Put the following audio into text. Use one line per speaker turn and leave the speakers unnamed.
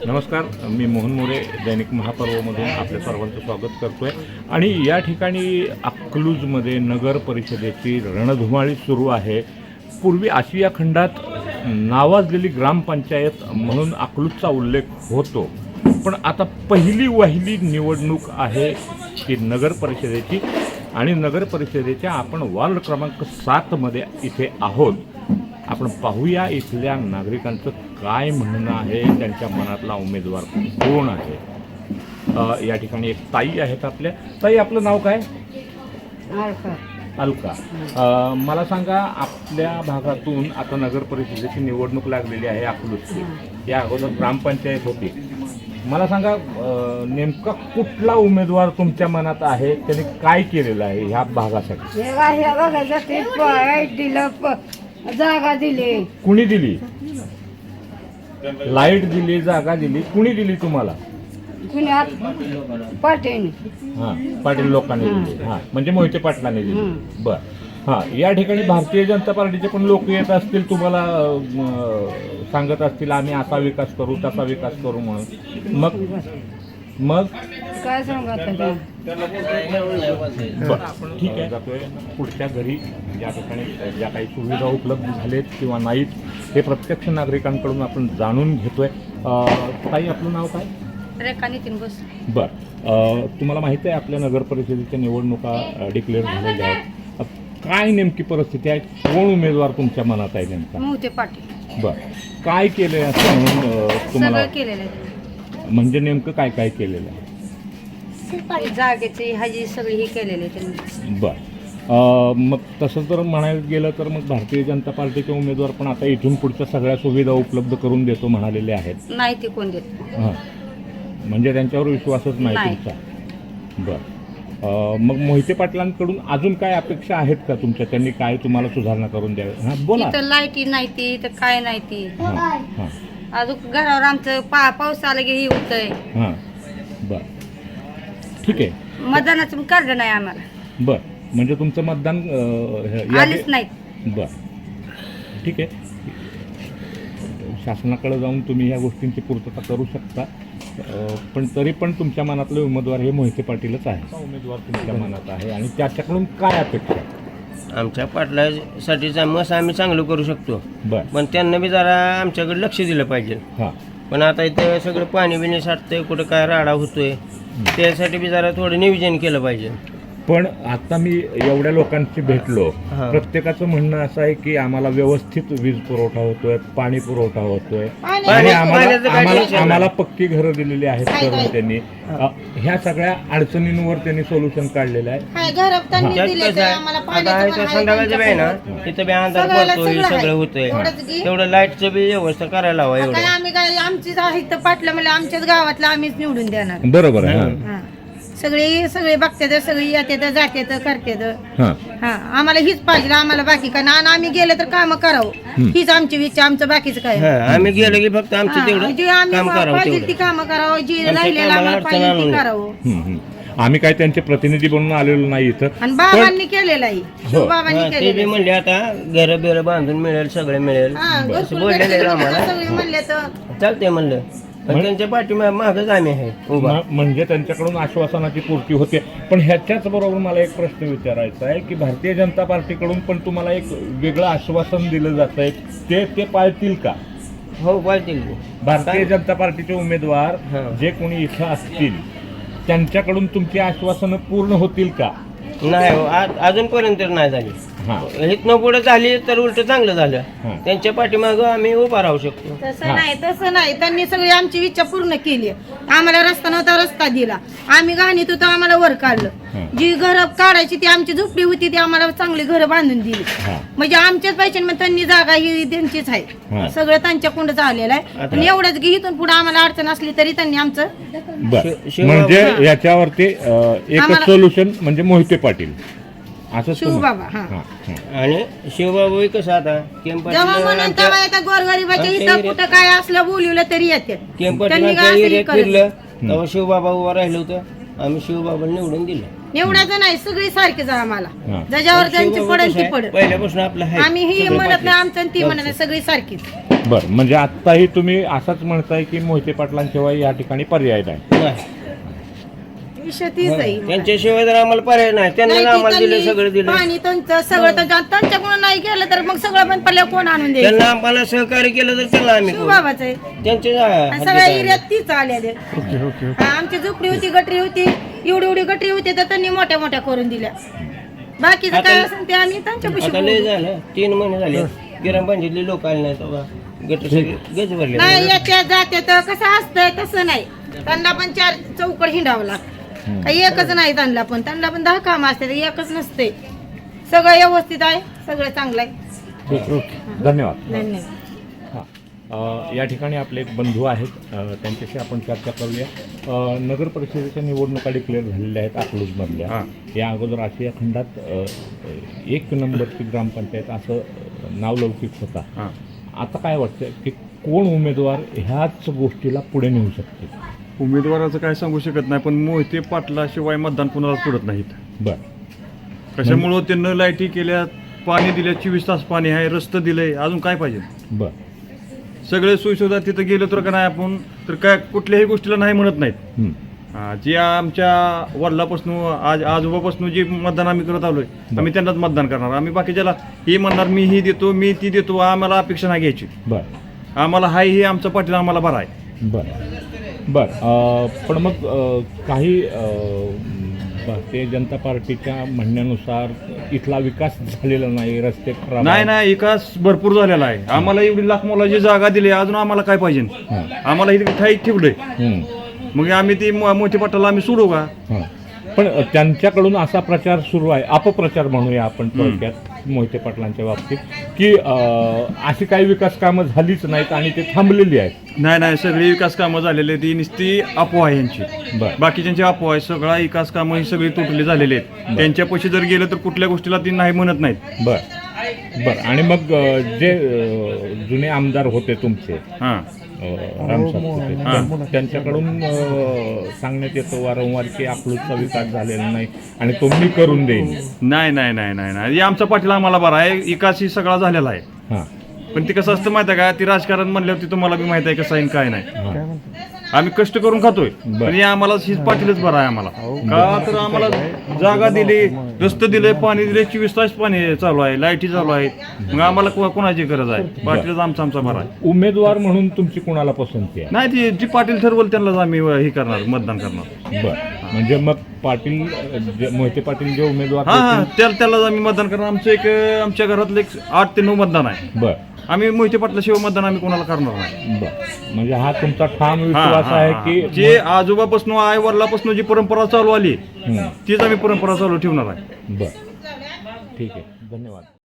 नमस्कार, मी मोहन मोरे दैनिक महापर्वमधून आपल्या सर्वांचं स्वागत करतो आहे. आणि या ठिकाणी अकलूजमध्ये नगर परिषदेची रणधुमाळी सुरू आहे. पूर्वी आशिया खंडात नावाजलेली ग्रामपंचायत म्हणून अकलूजचा उल्लेख होतो, पण आता पहिली वहिली निवडणूक आहे ती नगर परिषदेची. आणि नगर परिषदेच्या आपण वार्ड क्रमांक 7मध्ये इथे आहोत. आपण पाहूया इथल्या नागरिकांचं काय म्हणणं आहे, त्यांच्या मनातला उमेदवार कोण आहे. या ठिकाणी एक ताई आहेत आपल्या. ताई, आपलं नाव काय? अलका. मला सांगा, आपल्या भागातून आता नगर परिषदेची निवडणूक लागलेली आहे अकलूजची. या अगोदर ग्रामपंचायत होती. मला सांगा, नेमका कुठला उमेदवार तुमच्या मनात आहे, त्याने काय केलेलं आहे ह्या भागासाठी?
जागा दिली.
कुणी दिली? लाईट दिली, जागा दिली. कुणी दिली तुम्हाला?
पाटील.
हां, पाटील लोकांनी दिली. हां, म्हणजे मोहिते पाटलांनी दिली. बर. हां, या ठिकाणी भारतीय जनता पार्टीचे पण लोक येत असतील, तुम्हाला सांगत असतील आम्ही असा विकास करू, तसा विकास करू म्हणून. मग
काय सांगत?
आपण ठीक आहे, जातोय पुढच्या घरी. या ठिकाणी ज्या काही सुविधा उपलब्ध झालेत किंवा नाहीत हे प्रत्यक्ष नागरिकांकडून आपण जाणून घेतोय. ताई, आपलं नाव काय?
रेखा नितीन बोस.
बर. तुम्हाला माहिती आहे आपल्या नगर परिषदेच्या निवडणुका डिक्लेअर झालेल्या आहेत. काय नेमकी परिस्थिती आहे? कोण उमेदवार तुमच्या मनात आहे नेमका?
मोहिते पाटील.
बर. काय केलंय असं म्हणून तुम्हाला?
केलेलं आहे.
म्हणजे नेमकं काय काय केलेलं आहे?
जागेची हाजी सगळी ही केलेली आहे त्यांनी.
बर. मग तसं जर म्हणायला गेलं तर मग भारतीय जनता पार्टीचे उमेदवार पण आता इथून पुढच्या सगळ्या सुविधा उपलब्ध करून देतो म्हणालेले आहेत.
नाही ते कोण देत.
हां, म्हणजे त्यांच्यावर विश्वासच नाही तुमचा. बरं. मग मोहिते पाटलांकडून अजून काय अपेक्षा आहेत का तुमच्या? त्यांनी काय तुम्हाला सुधारणा करून द्यावी? हां, बोला.
इथं लाईटी नाही ती, इथं काय नाही ती.
हां हां
अजून घरावर आमचं पाऊस आला की हे होतंय.
हां. बरं, ठीक आहे.
मतदानाचं कार्ड नाही आम्हाला.
बरं, म्हणजे तुमचं मतदान
आलेच नाहीत.
बरं, ठीक आहे. शासनाकडे जाऊन तुम्ही ह्या गोष्टींची पूर्तता करू शकता. पण तरी पण तुमच्या मनातले उमेदवार हे मोहिते पाटीलच आहे. उमेदवार तुमच्या मनात आहे आणि त्याच्याकडून काय अपेक्षा?
आमच्या पाटलासाठीचा मस आम्ही चांगलं करू शकतो,
बरं.
पण त्यांना बी जरा आमच्याकडे लक्ष दिलं पाहिजे.
हां.
पण आता इथं सगळं पाणी बिणी साठतंय, कुठं काय राडा होतोय, त्यासाठी बी जरा थोडं नियोजन केलं पाहिजे.
पण आता मी एवढ्या लोकांशी भेटलो,
हां.
प्रत्येकाचं म्हणणं असं आहे की आम्हाला व्यवस्थित वीज पुरवठा होतोय, पाणी पुरवठा होतोय आणि
पाण्याचं काय टेन्शन
आम्हाला पक्की घरं दिलेली आहेत करून त्यांनी. ह्या सगळ्या अडचणींवर त्यांनी सोल्युशन काढलेलं आहे.
त्यात कसं आहे, आता इथं संध्याकाळचं बी आहे ना, तिथं बी अंधार पडतोय, सगळं होतंय. तेवढं लाईटचं बी व्यवस्था करायला हवा. एवढं
आम्ही काय आमची इथं पाटलं म्हणजे आमच्याच गावातलं आम्हीच निवडून देणार.
बरोबर आहे.
हा. सगळे बघतात, सगळी येतात, जातात, करतात.
हां.
हा, आम्हाला हीच पाहिजे. आम्हाला बाकी काय ना, आम्ही गेलं तर काम करावं, हीच आमची इच्छा. आमचं बाकीचं काय
आम्ही गेलो की फक्त आमचं तेवढं
जे आम्ही
काम करावं,
पाहिजे ती
तेवढं.
कामं करावं, जी राहिलेलं
कामाला
आम्हाला
अडचण
पाहिजे
आणू
ती
नये.
करावं.
आम्ही काय त्यांचे प्रतिनिधी बनून आलेलो नाही इथं.
आणि बाबांनी केलेलं आहे, शिवबाबांनी
ते बी
केलेलं
म्हणले आता घर बिर बांधून मिळेल, सगळं मिळेल, असं बोललेलं आहे आम्हाला.
सगळे म्हणले तर
चालतंय म्हणलं, पण त्यांच्या पाठीमागच आम्ही आहे उभा.
म्हणजे त्यांच्याकडून आश्वासनाची पूर्ती होते. पण ह्याच्याच बरोबर मला एक प्रश्न विचारायचा आहे की भारतीय जनता पार्टीकडून पण तुम्हाला एक वेगळं आश्वासन दिलं जात आहे, ते पाळतील का?
हो, पाळतील.
भारतीय जनता पार्टीचे उमेदवार
हां.
जे कोणी इथं असतील त्यांच्याकडून तुमची आश्वासनं पूर्ण होतील का?
नाही हो, अजूनपर्यंत नाही झाली.
हां.
इथनं पुढे झाली तर उलट चांगलं
हां.
झालं. त्यांच्या पाठीमागं आम्ही उभा राहू शकतो.
तसं नाही. त्यांनी सगळी आमची इच्छा पूर्ण केली. आम्हाला रस्ता नव्हता, रस्ता दिला. आम्ही घाणीत होतो, आम्हाला वर काढलं. जी घरं काढायची ती आमची झोपडी होती, ती आम्हाला चांगली घरं बांधून दिली. म्हणजे आमच्याच पैसे, मग त्यांनी जागा ही त्यांचीच आहे. सगळं त्यांच्याकडूनच आलेलं आहे. आणि एवढंच की इथून पुढे आम्हाला अडचण असली तरी त्यांनी आमचं.
म्हणजे याच्यावरती एकच सोल्युशन म्हणजे मोहिते पाटील असं
शिवबाबा.
आणि शिवबाबू कसं आता
जेव्हा म्हणून तेव्हा येतात गोरगरिबाच्या इथं कुठं काय असलं बोलवलं तरी येतात.
फिरलं तेव्हा शिवबाबा उभा राहिलं होतं. आम्ही शिवबाबाला निवडून दिलं.
निवडायचं नाही, सगळी सारखीच आहे आम्हाला.
हा.
ज्याच्यावर त्यांची
शिवबाबा
पडेल
कसं
ती
आहे,
पडेल.
पहिल्यापासून आपलं आहे.
आम्ही ही
सगळे
म्हणत
पाटील.
नाही आमचं आणि ती म्हणत नाही, सगळी सारखीच.
बरं, म्हणजे आत्ताही तुम्ही असंच म्हणताय की मोहिते पाटलांशिवाय या ठिकाणी पर्याय नाही.
नाही.
विषय तीच आहे.
त्यांच्याशिवाय तर आम्हाला पर्याय नाही. त्यांना
नाही,
आम्हाला
ती
दिलं,
त्यांनी
सगळं दिलं.
पाणी त्यांचं सगळं त्यांच्याकडून नाही केलं तर मग सगळं पण पडल्या कोण आणून द्यायचं?
त्यांना आम्हाला सहकार्य केलं तर त्याला आम्ही करू.
शिवबाबाच आहे.
त्यांचे
आणि सगळ्या एरियात तीच आल्या आमची झोपडी होती, गटरी होती, एवढी गटरी होती तर त्यांनी मोठ्या मोठ्या करून दिल्या. बाकीचं काय असेल ते आम्ही त्यांच्यापाशी
आता लय
बोलू.
झालं, 3 महिने झाले ग्रामपंचायतले लोक आले नाही तेव्हा गट सगळे गज भरले.
नाही येत्या जाते तर कसं असतंय तसं नाही. त्यांना पण 4 चौकड हिंडावं लागतं. काही एकच नाही त्यांना पण 10 काम असते, एकच नसते. सगळं व्यवस्थित आहे, सगळं चांगलं आहे.
धन्यवाद.
धन्यवाद.
हां, या ठिकाणी आपले एक बंधू आहेत, त्यांच्याशी आपण चर्चा करूया. नगर परिषदेच्या निवडणुका डिक्लेअर झालेल्या आहेत अकलूजमधल्या. या अगोदर आशिया खंडात 1 नंबरची ग्रामपंचायत असं नावलौकिक होता. आता काय वाटतं की कोण उमेदवार ह्याच गोष्टीला पुढे नेऊ शकते?
उमेदवाराचं काय सांगू शकत नाही, पण मोहिते पाटलाशिवाय मतदान कुणाला पडत नाहीत.
बरं.
कशामुळं त्यांना लाईटी केल्या, पाणी दिल्या, 24 तास पाणी आहे, रस्तं दिलंय, अजून काय पाहिजे?
बरं.
सगळे सोयीसुविधा तिथं गेलो तर का नाही आपण तर काय कुठल्याही गोष्टीला नाही म्हणत नाहीत. जे आमच्या वडिलापासून आजोबापासून जे मतदान आम्ही करत आलोय, आम्ही त्यांनाच मतदान करणार. आम्ही बाकीच्याला हे म्हणणार मी ही देतो, मी ती देतो, आम्हाला अपेक्षा नाही घ्यायची.
बरं.
आम्हाला हाय हे आमचा पाटील आम्हाला बरा आहे.
बरं. पण मग काही भारतीय जनता पार्टीच्या म्हणण्यानुसार इथला विकास झालेला नाही, रस्ते खराब
नाही नाही, विकास भरपूर झालेला आहे. आम्हाला एवढी लाख मोलाची जागा दिली, अजून आम्हाला काय पाहिजे? आम्हाला इथे ठाईक ठेवलंय, मग आम्ही ती मोठे पाटाला आम्ही सोडू का?
पण त्यांच्याकडून असा प्रचार सुरू आहे, अपप्रचार म्हणूया आपण थोडक्यात मोहिते पाटलांच्या बाबतीत, की अशी काही विकास कामं झालीच नाहीत आणि ते थांबलेली आहेत.
नाही नाही, सगळी विकास कामं झालेली ती नुसती अफवा आहे यांची. बाकीच्यांची अफवा आहे. सगळा विकास कामं ही सगळी तुटली झालेली आहेत. त्यांच्यापाशी जर गेलं तर कुठल्या गोष्टीला ती नाही म्हणत नाहीत.
बरं. आणि मग जे जुने आमदार होते तुमचे, राम सातपुते, त्यांच्याकडून सांगण्यात येतं वारंवार की अकलूजचा विकास झालेला नाही आणि तो मी करून देईन.
नाही नाही नाही नाही नाही, हे आमचा पाटील आम्हाला बरा आहे. विकास ही सगळा झालेला आहे. पण ती कसं असतं माहिती आहे का, ती राजकारण म्हणल्यावर ती तुम्हाला बी माहिती आहे कसं आहे काय नाही. आम्ही कष्ट करून खातोय, पण आम्हाला हीच पाटीलच बरं आहे आम्हाला. का तर आम्हाला जागा दिली, रस्ते दिले, पाणी दिले, 24 तास पाणी चालू आहे, लाईटी चालू आहेत. मग आम्हाला कोणाची गरज आहे? पाटीलच आमचा बरा आहे.
उमेदवार म्हणून तुमची कोणाला पसंती आहे?
नाही, ती जी पाटील ठरवल त्यांनाच आम्ही हे करणार, मतदान करणार.
बरं. म्हणजे मग पाटील मोहिते पाटील जे उमेदवार
त्यालाच आम्ही मतदान करणार. आमच्या घरातलं 8 ते 9 मतदान आहे.
बरं.
आम्ही मोहिते पाटलाशिवाय मतदान आम्ही कोणाला करणार नाही.
म्हणजे हा तुमचा ठाम विश्वास आहे की
जे आजोबापासून आई वडिलापासून जी परंपरा चालू आली तीच आम्ही परंपरा चालू ठेवणार आहे.
बरं, ठीक आहे, धन्यवाद.